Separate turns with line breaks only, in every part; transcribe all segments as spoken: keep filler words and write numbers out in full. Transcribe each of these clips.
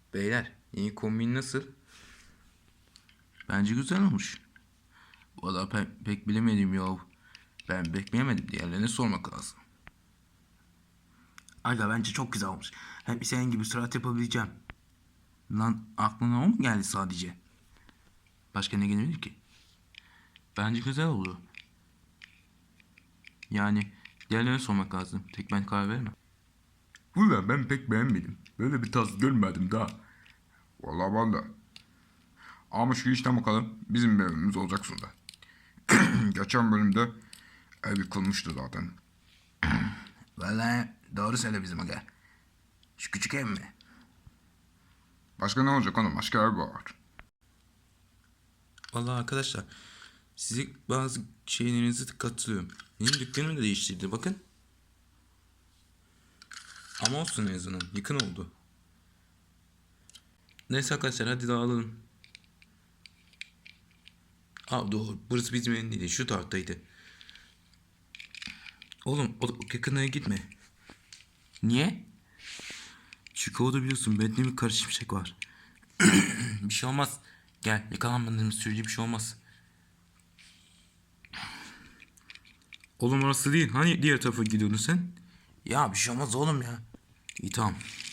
Beyler, yeni kombin nasıl?
Bence güzel olmuş. Valla ben pek bilemedim ya. Ben pek bilemedim. Diğerlerine sormak lazım. Aga bence çok güzel olmuş. Hem senin gibi sürat yapabileceğim. Lan aklına o mu geldi sadece? Başka ne gelebilir ki? Bence güzel oldu. Yani diğerlerine sormak lazım. Tek ben karar veremem.
Valla ben pek beğenmedim. Böyle bir tarz görmedim daha. Valla valla. Ama şu işten bakalım bizim bir evimiz olacak sonunda. Geçen bölümde ev yıkılmıştı zaten.
Valla doğru söyle bizim aga. Şu küçük ev mi?
Başka ne olacak oğlum? Başka ev var.
Vallahi arkadaşlar, size bazı şeylerinizi katılıyorum. Benim dükkanımı da değiştirdi bakın. Ama olsun, en azından yakın oldu. Neyse arkadaşlar, hadi dağılalım. Aa doğru, burası bizim evin değil, şu taraftaydı. Oğlum o, o yakınlara gitme.
Niye?
Çünkü orada biliyorsun benimle bir karışmışlık var. Bir şey olmaz. Gel, yakalanmadığımız sürece bir şey olmaz. Oğlum orası değil. Hani diğer tarafa gidiyordun sen?
Ya bir şey olmaz oğlum ya.
İyi tamam.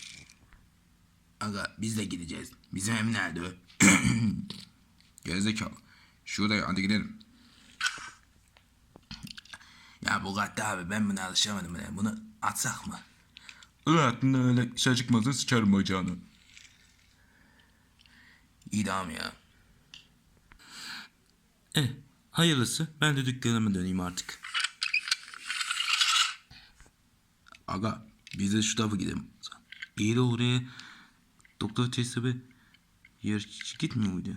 Aga biz de gideceğiz. Bizim ev nerede?
Gerizekalı. Şuraya hadi gidelim.
Ya Bugatti abi ben buna alışamadım. Ya. Bunu atsak mı?
Öyle aklına öyle şey çıkmasın sıçarım bacağını.
İyi tamam ya.
Eh, hayırlısı. Ben de dükkanıma döneyim artık.
Aga biz de şu tarafa gidelim. İyi de oraya doktor testi yarışçı gitmiyor muydu?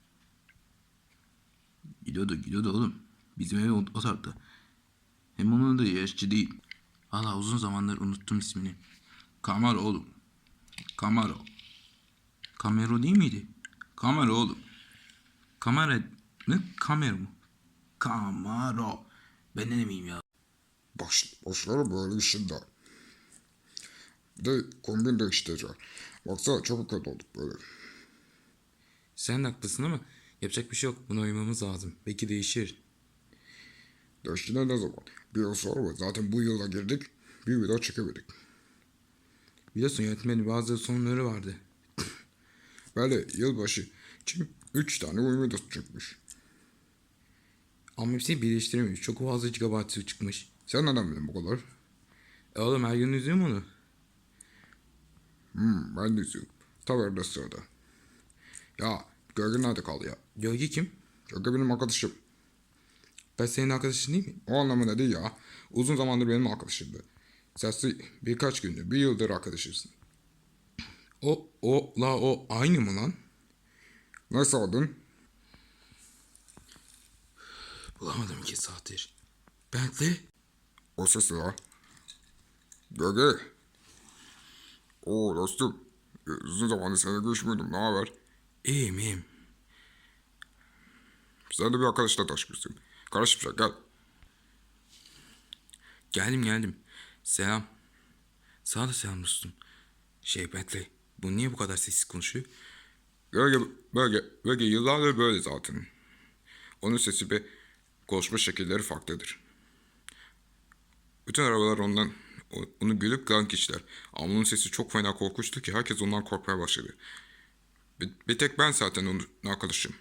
Gidiyordu gidiyordu oğlum. Bizim ev o, o tarafta. Hem onun da yarışçı değil. Valla uzun zamandır unuttum ismini. Camaro oğlum. Camaro. Camaro değil miydi? Camaro oğlum. Kamera mı? Camaro mu? Camaro. Ben ne demeyeyim ya.
Baş, başları böyle işinde. Bir de kombin değiştireceğim. Baksana çok kötü olduk böyle.
Sen de haklısın ama yapacak bir şey yok. Buna uymamız lazım. Belki değişir.
Değiştiğinde ne zaman? Bir yıl sonra mı? Zaten bu yıla girdik. Bir video çekemedik.
Biliyorsun yönetmenin bazı sorunları vardı.
Böyle yılbaşı için üç tane oyun videosu çıkmış.
Ama hepsini birleştirememiş. Çok fazla gigabaytı çıkmış.
Sen neden bildin bu kadar?
E oğlum her gün izliyorum onu.
Hmm, ben de izliyorum. Taverde sırada. Ya Gölge nerede kaldı ya?
Gölge kim?
Gölge benim arkadaşım.
Ben senin arkadaşın değil mi?
O anlamında değil ya. Uzun zamandır benim arkadaşımdı. Sesli birkaç gündür, bir yıldır arkadaşız.
O, o, la o aynı mı lan?
Nasıl adın?
Bulamadım iki saattir. Bentley?
O ses ya. Gölge. Oo dostum. Uzun zamandır seninle görüşmüyordum. Ne haber?
İyiyim iyiyim.
Sen de bir arkadaşla tanışmışsın. Karışmışlar gel.
Geldim geldim. Selam. Sana da selam dostum. Şey Bentley. Bu niye bu kadar sessiz konuşuyor?
Gölge, bölge, bölge yıllardır böyle zaten. Onun sesi ve konuşma şekilleri farklıdır. Bütün arabalar ondan, onu gülüp galan kişiler. Ama onun sesi çok fena korkunçtu ki herkes ondan korkmaya başladı. Bir, bir tek ben zaten onun arkadaşım.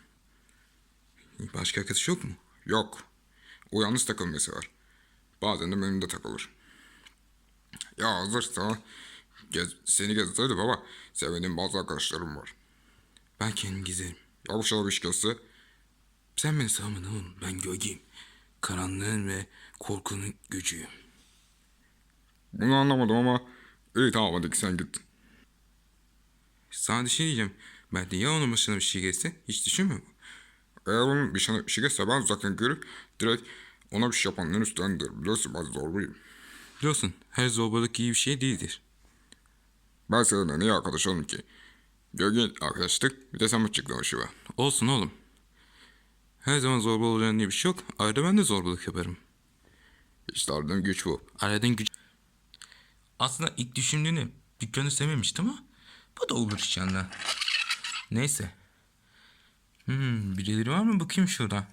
Başka arkadaş yok mu?
Yok. O yalnız takılmayı sever. Bazen de benimle takılır. Ya hazırsa gez, seni gezdirdim ama sevdiğim bazı arkadaşlarım var.
Ben kendim gezerim.
Yavuşlar bir iş gelse
Sen beni savmadın oğlum. Ben gölgeyim. Karanlığın ve korkunun gücüyüm.
bunu anlamadım ama iyi tamam hadi sen git.
Sana bir şey diyeceğim. Ben de ya onun başına bir şey gelse hiç düşünmüyor mu?
Eğer onun bir şey, bir şey gelse ben uzaktan görüp direkt ona bir şey yapanların üstlendir. Biliyorsun ben zorluyum.
Biliyorsun her zorbalık iyi bir şey değildir.
Ben seninle niye arkadaş oldum ki? Gölge arkadaşlık bir de sen mi çıktın o şive?
Olsun oğlum. Her zaman zorba olacağın diye bir şey yok. Arada ben de zorbalık yaparım.
İşte aradığım güç bu.
Aradığın güç... Aslında ilk düşündüğünü dükkanı sevmemiştim ama Bu da olur inşallah. Neyse. Hmm, birileri var mı? Bakayım şurada.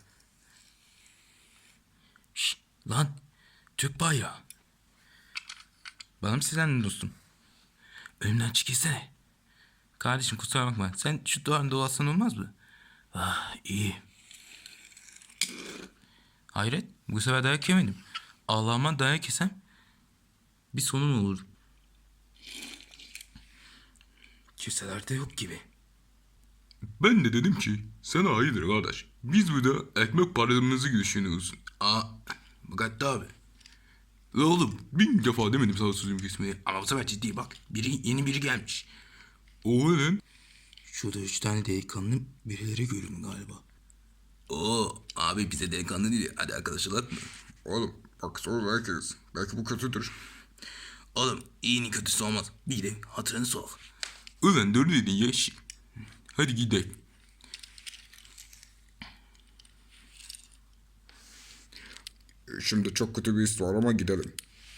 Şşt, lan. Türk bayrağı. Bana mı sizdin dostum? Önümden çekilsene. Kardeşim kusura bakma. Sen şu duvarın dolaşsan olmaz mı? Ah iyi. Hayret. Bu sefer dayak yemedim. Allah'ıma dayak yesem bir sonun olur. Kimseler de yok gibi.
Ben de dedim ki sana hayırdır kardeş. Biz burada ekmek paramızı düşünüyoruz.
Aa, Bugatti abi.
La oğlum bin defa demedim sana sözümü kesmeye.
Ama bu sefer ciddi bak. Biri, yeni biri gelmiş.
O ne lan?
Şurada üç tane delikanlı birileri görün galiba. Oo abi bize delikanlı değil. Hadi arkadaşlar mı?
Oğlum bak sonra herkes. Belki bu kötüdür.
Oğlum iyinin kötüsü olmaz. Bir de hatırını sok.
Ulan doğru dedin ya. Şi- Hadi gidelim. Şimdi çok kötü bir his var ama gidelim.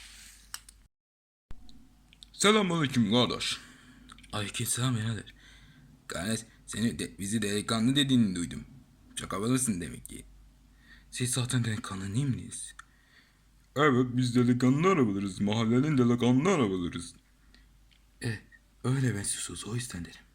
Selamünaleyküm kardeş.
Aleykümselam birader.
Kardeş seni de, bizi delikanlı dediğini duydum. Çok havalısın demek ki.
Siz zaten delikanlı değil miyiz?
Evet biz delikanlı arabalarız. Mahallenin delikanlı arabalarız.
E, öyle benziyorsunuz o yüzden dedim.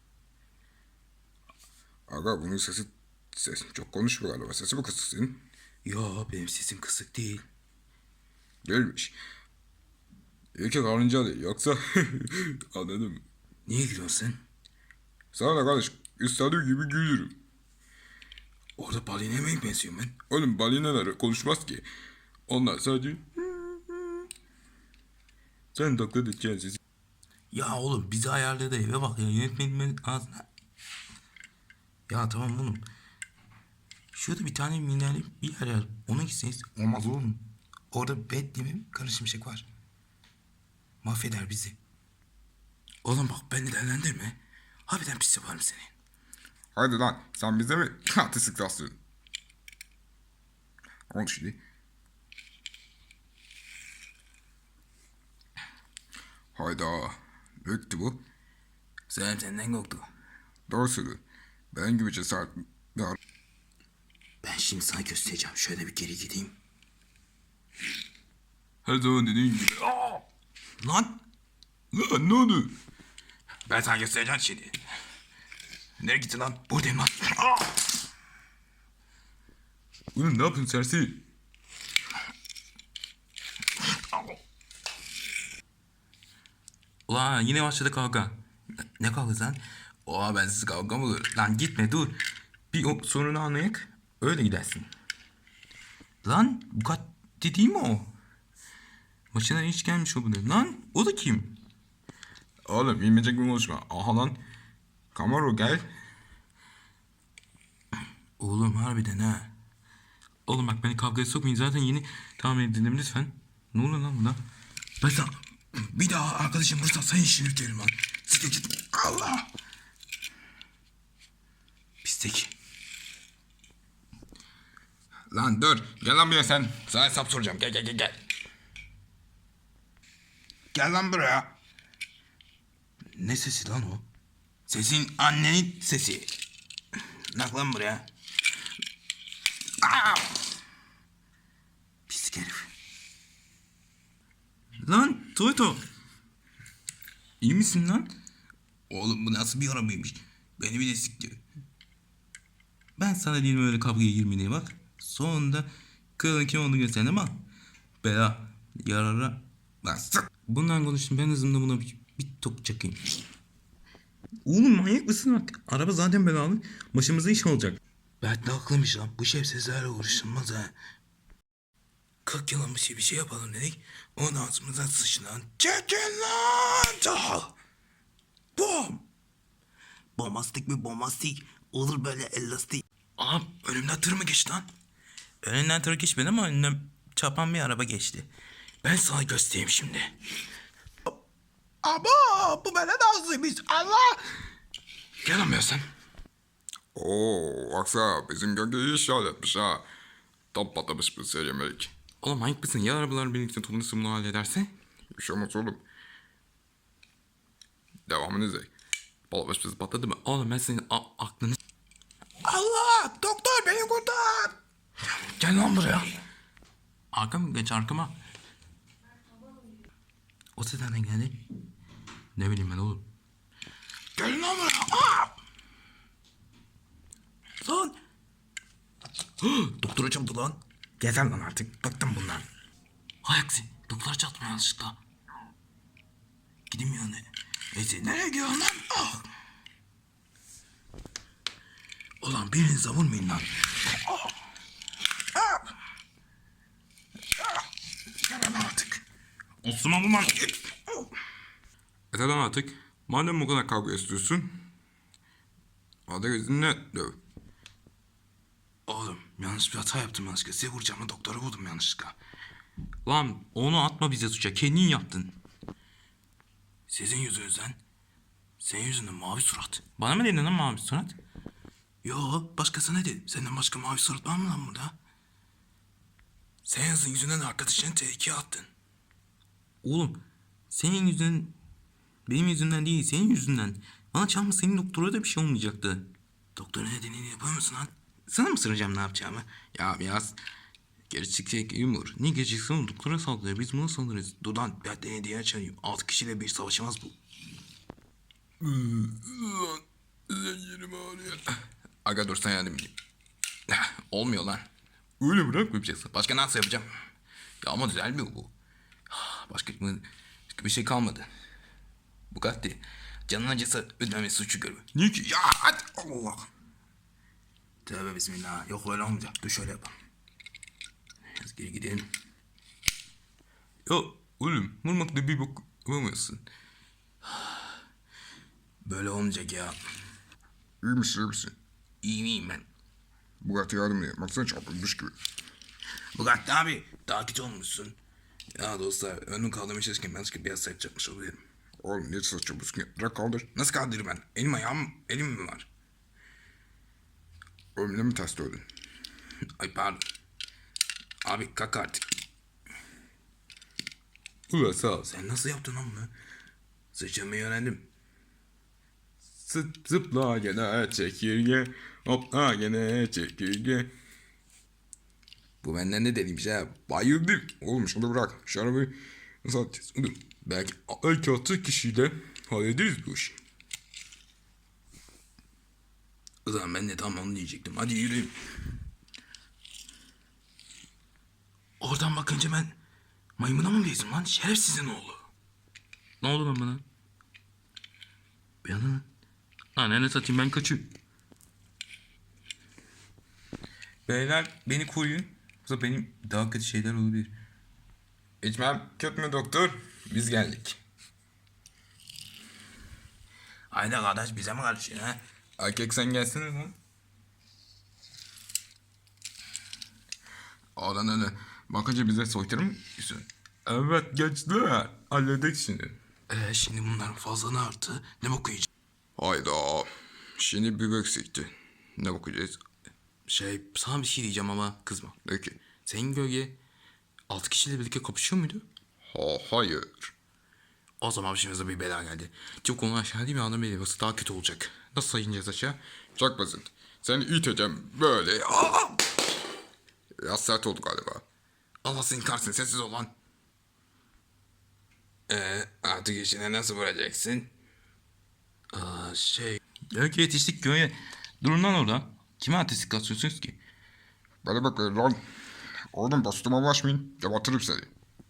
Aga bunun sesi ses çok konuşmuyor galiba. Sesi mi kısık senin?
Yo benim sesim kısık değil.
Değilmiş. İyi ki karınca değil. Yoksa anladım.
Niye gülüyorsun sen?
Sana da kardeş istediği gibi gülürüm.
Orada balineye mi benziyorum ben?
Oğlum balinalar konuşmaz ki. Onlar sadece sen taklit edeceksin sesi.
Ya oğlum bizi ayarladı eve bak ya yönetmenimin ağzına. Ya tamam oğlum. Şurada bir tane minerli bir yer var. Ona gitseniz olmaz oğlum. Orada Batman'in karışımşık var. Mahveder bizi. Oğlum bak beni değerlendirme. Harbiden pis yaparım seni.
Hadi lan sen bize mi artistik taslıyorsun? Oldu şimdi. Hayda. Büyüktü bu.
Sen senden korktu.
Doğru söylüyorsun. Ben gibi cesaret bir ar-
Ben şimdi sana göstereceğim. Şöyle bir geri gideyim.
Her zaman dediğin gibi.
Aa! Lan!
Lan ne oldu?
Ben sana göstereceğim şimdi. Nereye gittin lan? Buradayım lan. Aa!
Oğlum ne yapıyorsun serseri?
Ulan yine başladı kavga. Ne kavgası lan? Oha ben siz kavga mı olur? Lan gitme dur. Bir o sorunu anlayak. Öyle gidersin. Lan Bugatti değil mi o? Başına hiç gelmiş o bu ne? Lan o da kim?
Oğlum bilmeyecek bir konuşma. Aha lan. Camaro gel.
Oğlum harbiden ha. Oğlum bak beni kavgaya sokmayın zaten yeni tamam edindim lütfen. Ne oluyor lan buna? Ben sana bir daha arkadaşım vursa sen işini biterim lan. Siktir git. Allah. Pislik.
Lan dur. Gel lan buraya sen. Sana hesap soracağım. Gel gel gel gel. Gel lan buraya.
Ne sesi lan o?
Sesin annenin sesi. Nak lan buraya.
Pislik herif. Lan Toyto. İyi misin lan?
Oğlum bu nasıl bir arabaymış? Beni bir de sikti.
Ben sana değilim öyle kavgaya girmeye bak. Sonunda kralın kim olduğunu gösterdim ama bela yarara.
Lan sık.
Bundan konuştum ben hızımda buna bir, bir tok çakayım. Oğlum manyak mısın bak? Araba zaten belalı. Başımıza iş olacak. Berk de haklıymış lan. Bu şerefsizlerle uğraşılmaz ha. Kırk yılın bir şey bir şey yapalım dedik. Onun ağzımıza sıçtı lan. Çekin lan! Çal! Bom! Bombastik mi bombastik? Olur böyle elastik. Aha önümden tır mı geçti lan? Önünden tır geçmedi ama önünden çapan bir araba geçti. Ben sana göstereyim şimdi. Aba bu bana nazlıymış Allah. Gel lan be sen.
Oo baksana bizim gölge iyi işaret etmiş ha. Tam patlamış bir seri yemek.
Oğlum manyak mısın? Ya arabalar birlikte toplanırsa bunu hallederse?
Bir şey olmaz oğlum. Devamını izle.
Balabaş bizi patladı mı? Oğlum ben senin a- aklını... Allah! Doktor beni kurtar! Gel lan buraya. Arkama geç arkama. O ses nereden geldi? Ne bileyim ben oğlum. Gel lan buraya. Aa! Lan! Doktora çarptı lan.
Yeter lan artık. Bıktım bundan.
Hay aksi. Doktora çarptım yanlışlıkla. Gideyim yani. Neyse nereye gidiyorsun lan? Ah! Ulan birinize vurmayın lan. Ah! Ah! Ah! Gel lan artık. Osman bu lan. Git.
Yeter lan artık. Madem bu kadar kavga istiyorsun. Hadi gözünle döv.
Oğlum yanlış bir hata yaptım yanlışlıkla. Size vuracağımı doktora vurdum yanlışlıkla. Lan onu atma bize suça. Kendin yaptın. Sizin yüzünüzden. Senin yüzünden mavi surat. Bana mı dedin lan mavi surat? Yo başkasına dedim. Senden başka mavi surat var mı lan burada? Senin yüzünden arkadaşını tehlikeye attın. Oğlum senin yüzünden benim yüzümden değil senin yüzünden. Bana çarpma senin doktora da bir şey olmayacaktı. Doktorun dediğini yapar mısın lan? Sana mı sıracağım ne yapacağımı? Ya biraz gerçek yumur. Ne geleceksin doktora saldırıyor. Biz buna saldırırız. Dudan ben de diye açayım. Altı kişiyle bir savaşamaz bu. Zencirim ağrıyor. Aga dur sen yardım edeyim. Olmuyor lan. Öyle bırakmayacaksın. Başka nasıl yapacağım? Ya ama düzelmiyor bu. Başka, başka bir şey kalmadı. Bugatti. Canın acısı ödemesi suçu görür. Niye ki? Ya hadi Allah. Tövbe bismillah. Yok öyle olmayacak. Dur şöyle yapalım. Biraz geri gidelim. Ya oğlum vurmakla bir bok yapamıyorsun. Böyle olmayacak ya.
İyi misin iyi misin?
İyi miyim ben?
Bugatti yardım ediyor. Baksana çarpılmış gibi.
Bugatti abi takip olmuşsun. Ya dostlar önüm kaldırmaya çalışırken ben sıkı biraz sert çarpmış olabilirim.
Oğlum niye saç çarpılsın ya? Bırak kaldır.
Nasıl kaldırırım ben? Elim ayağım elim mi var?
Oğlum ne mi ters dövdün?
Ay pardon. Abi kalk artık.
Ulan sağ ol.
Sen nasıl yaptın lan bunu? Sıçramayı öğrendim.
Zıp, zıpla gene çekirge. Hopla gene çekirge.
Bu benden de deliymiş ha.
Bayıldım. Oğlum şunu bırak. Şu arabayı nasıl atacağız? Oğlum belki, belki altı kişiyle hallederiz bu işi.
O zaman ben de tam onu diyecektim. Hadi yürüyün. Oradan bakınca ben maymuna mı gezdim lan? Şerefsizin oğlu. Ne oldu lan bana? Uyanın lan. Lan ne satayım ben kaçıyorum.
Beyler beni koruyun. Yoksa benim daha kötü şeyler olabilir.
İçmem kötü mü doktor? Biz geldik.
Haydi kardeş bize mi karışıyor ha?
Erkek sen gelsene lan. Oradan öyle bakınca bize soytarı mı diyorsun? Evet gençler. Halledik şimdi.
Ee, şimdi bunların fazla arttı. Ne bok yiyeceğiz?
Hayda. Şimdi bir eksikti. Ne bakacağız?
Şey sana bir şey diyeceğim ama kızma.
Peki.
Senin gölge altı kişiyle birlikte kapışıyor muydu?
Ha, hayır.
O zaman başımıza bir bela geldi. Çok onu aşağı değil mi adam belirmesi daha kötü olacak. Nasıl sayınacağız aşağı?
Çok basit. Seni iteceğim böyle. Aa! Biraz sert oldu galiba.
Allah senin kahretsin sessiz ol lan. Ee, artık işine nasıl vuracaksın? Aa, şey...
Belki yetiştik köye. Durun lan orada. Kime artistik atıyorsunuz ki?
Bana bak lan. Oğlum dostuma ulaşmayın. Gebertirim seni.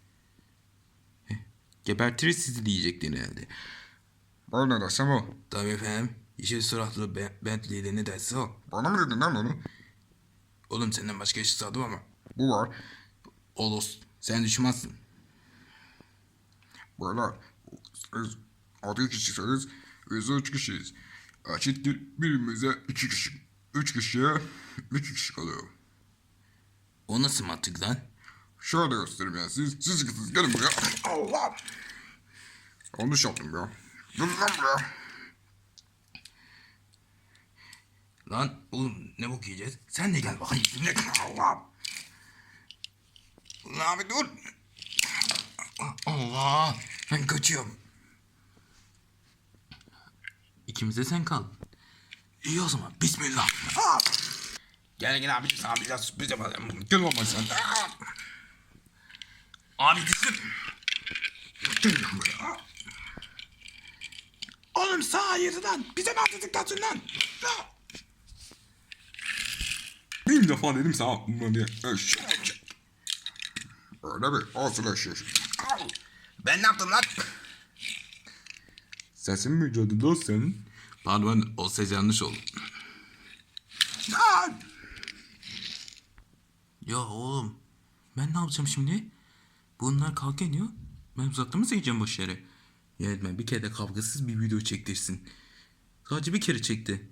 Gebertiriz sizi diyecektin herhalde.
Bana ne dersem o.
Tabii efendim. Yeşil suratlı Be- Bentley'de ne derse o.
Bana mı dedin lan onu?
Oğlum senden başka eşi sadım ama.
Bu var.
Olos sen düşmezsin.
Böyle. Biz altı kişisiniz. Biz üç kişiyiz. Eşittir birimize iki kişi. Üç kişiye iki kişi kalıyor.
O nasıl mantık lan?
Şöyle göstereyim ya. Siz, siz ikiniz gelin buraya. Allah! Yanlış yaptım ya. Dur lan buraya.
Lan oğlum ne bok yiyeceğiz? Sen de gel bakayım. Ne Allah. Lan abi dur. Allah. Ben kaçıyorum. İki İkimiz de sen kal. İyi o zaman. Bismillah.
Gel gel abicim sana biraz sürpriz yapalım. Gel baba sen.
Abi düştüm.
Gel lan buraya.
Oğlum sağ ayırdı lan. Bize mi atladık lan?
Bin defa dedim sana bunu diye. Eşek. Öyle mi? Olsun eşek.
Ben ne yaptım lan?
Sesin mi cadı dost senin?
Pardon o ses yanlış oldu. Ya oğlum ben ne yapacağım şimdi? Bunlar kavga ediyor. Ben uzakta mı seyredeceğim boş yere? Yönetmen bir kere de kavgasız bir video çektirsin. Sadece bir kere çekti.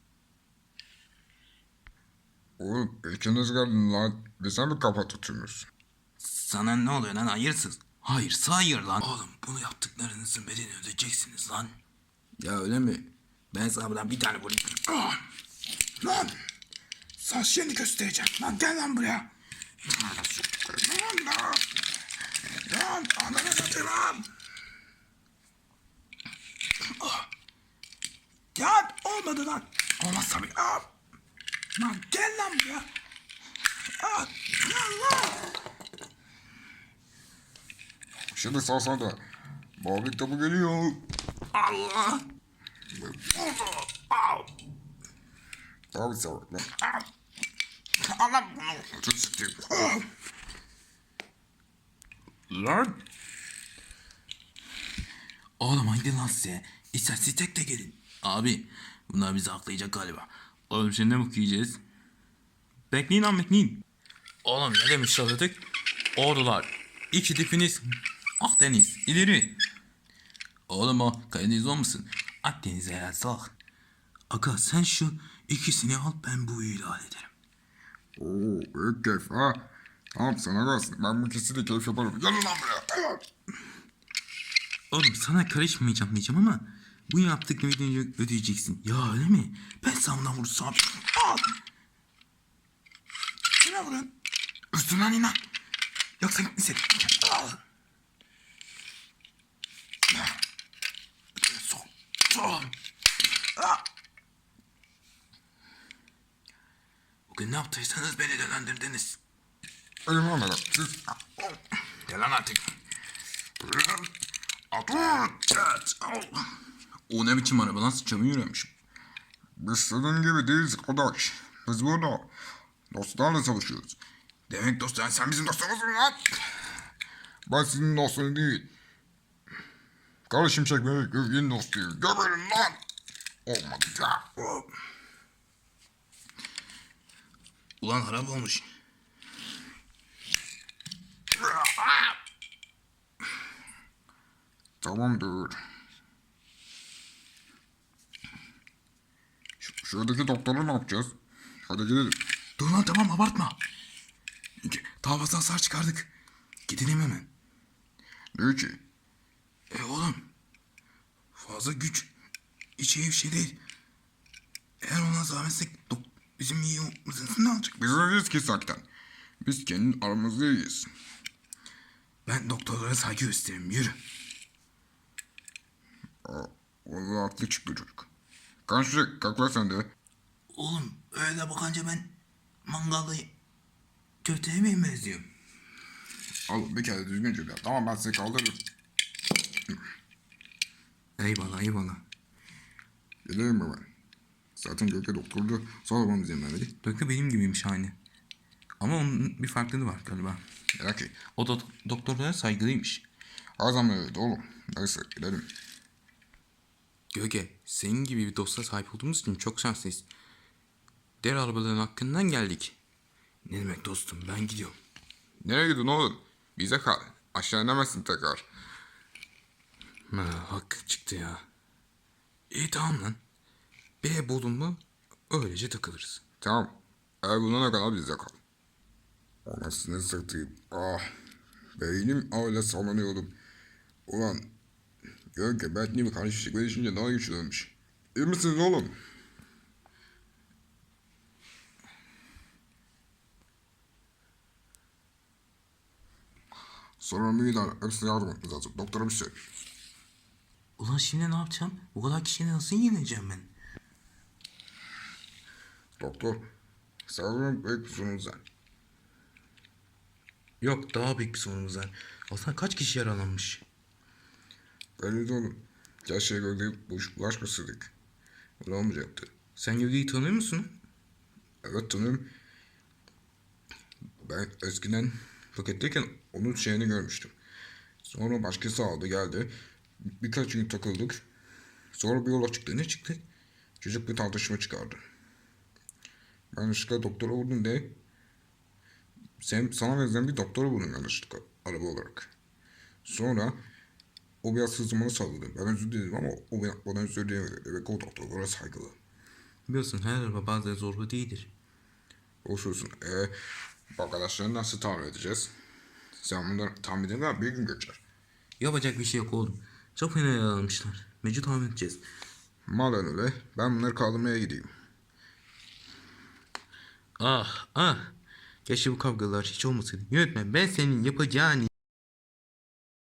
Oğlum ikiniz geldin lan. Bir sen mi kafa tutuyorsun?
Sana ne oluyor lan hayırsız? Hayır hayır lan. Oğlum bunu yaptıklarınızın bedelini ödeyeceksiniz lan. Ya öyle mi? Ben sana buradan bir tane vurayım. Ah! Lan! Sana şimdi göstereceğim. Lan gel lan buraya. Lan lan! Lan! Ananı satayım lan! Ah! Ya olmadı lan. Olmaz tabii. Ah! Lan gel lan buraya. Ah! Gel lan!
Şimdi sağ sağ da. Mavi kitabı geliyor.
Allah! Au!
Abi sağ ol lan.
Allah bunu!
Tut sikeyim.
Lan! Oğlum haydi lan size. İstersiz tek de gelin. Abi bunlar bizi aklayacak galiba. Oğlum şimdi ne bok yiyeceğiz? Bekleyin lan bekleyin. Oğlum ne demiş söyledik? Ordular. İki tipiniz. Akdeniz. ileri. Oğlum o Karadeniz olmasın. Akdeniz'e herhalde salak. Aga sen şu ikisini al ben bu ilan ederim.
Oo büyük keyif ha. Tamam sana kalsın. Ben bu ikisini keyif yaparım. Gel lan buraya.
Oğlum sana karışmayacağım diyeceğim ama bu yaptıklarını ödeyeceksin. Ya öyle mi? Ben sana bundan vurursam. Al. Kime vurun? Üstünden inan. Yoksa gitmesin. Al. Sok. Sok. Ah. Bugün ne yaptıysanız beni delendirdiniz.
Benim olmadan. Siz.
Delan artık. O ne biçim araba lan sıçramı yürüyormuş.
Biz senin gibi değiliz arkadaş. Biz burada dostlarla çalışıyoruz.
Demek dostlar sen bizim dostumuzsun lan.
Ben senin dostun değil. Kara Şimşek ve Gövge'nin dostuyum. Göberin lan. Olmadı ya.
Ulan harap olmuş.
Tamamdır. Şu, şuradaki doktora ne yapacağız? Hadi gidelim.
Dur lan tamam abartma. Daha fazla hasar çıkardık. Gidelim hemen.
Ne ki?
E oğlum. Fazla güç. Hiç iyi bir şey değil. Eğer ona zahmetsek dok- bizim iyi olmamızın ne olacak?
Biz öyleyiz ki zaten. Biz kendi aramızda iyiyiz.
Ben doktorlara saygı gösteririm. Yürü.
Aa, vallahi haklı çıktı çocuk. Kan Şimşek kalk lan sen de.
Oğlum öyle bakınca ben mangalda köfte yemeğe benziyorum.
Al bir kere düzgünce yap. Tamam ben sizi kaldırırım.
Eyvallah eyvallah.
Gidelim mi ben? Zaten Gökçe doktordu. Sormamız izin vermedi.
Doktor benim gibiymiş aynı. Ama onun bir farklılığı var galiba.
Merak et.
O da doktorlara saygılıymış.
Her zaman öyle oğlum. Neyse gidelim.
Göge, senin gibi bir dosta sahip olduğumuz için çok şanslıyız. Diğer arabaların hakkından geldik. Ne demek dostum, ben gidiyorum.
Nereye gidiyorsun oğlum? Bize kal. Aşağı inemezsin tekrar.
Ha, hakkı çıktı ya. İyi tamam lan. Bir ev buldun mu öylece takılırız.
Tamam. Eğer bulana kadar bizde kal. Anasını satayım. Ah. Beynim öyle sallanıyordum. Ulan. Gölge Bentley mi karşı şekilde düşünce daha güçlüymüş. İyi misiniz oğlum? Sonra müdahale. Hepsine yardım etmemiz lazım. Doktora bir şey.
Ulan şimdi ne yapacağım? O kadar kişiyi nasıl yeneceğim ben?
Doktor, sanırım büyük bir sorunuz var.
Yok, daha büyük bir sorunumuz var. Aslında kaç kişi yaralanmış?
Belli de oğlum. Gerçeğe göre bu iş bulaşmasaydık. Öyle olmayacaktı.
Sen Yogi'yi tanıyor musun?
Evet tanıyorum. Ben eskiden paketteyken onun şeyini görmüştüm. Sonra başkası aldı geldi. Birkaç gün takıldık. Sonra bir yola çıktı. Ne çıktı? Çocuk bir tartışma çıkardı. Ben yanlışlıkla doktora vurdum diye sen, sana benzeyen bir doktora vurdum yanlışlıkla araba olarak. Sonra o biraz hızlı bana salladı. Ben özür dilerim ama o bana- bana özür dileyemedi. Evet o doktorlara saygılı.
Biliyorsun her araba bazen zorba değildir.
Boş olsun. Ee, bu arkadaşları nasıl tahmin edeceğiz? Sen bunları tahmin edemem bir gün geçer.
Yapacak bir şey yok oğlum. Çok fena yaralanmışlar. Mecbur tahmin edeceğiz.
Madem öyle ben bunları kaldırmaya gideyim.
Ah ah. Keşke bu kavgalar hiç olmasaydı. Yönetmen, ben senin yapacağını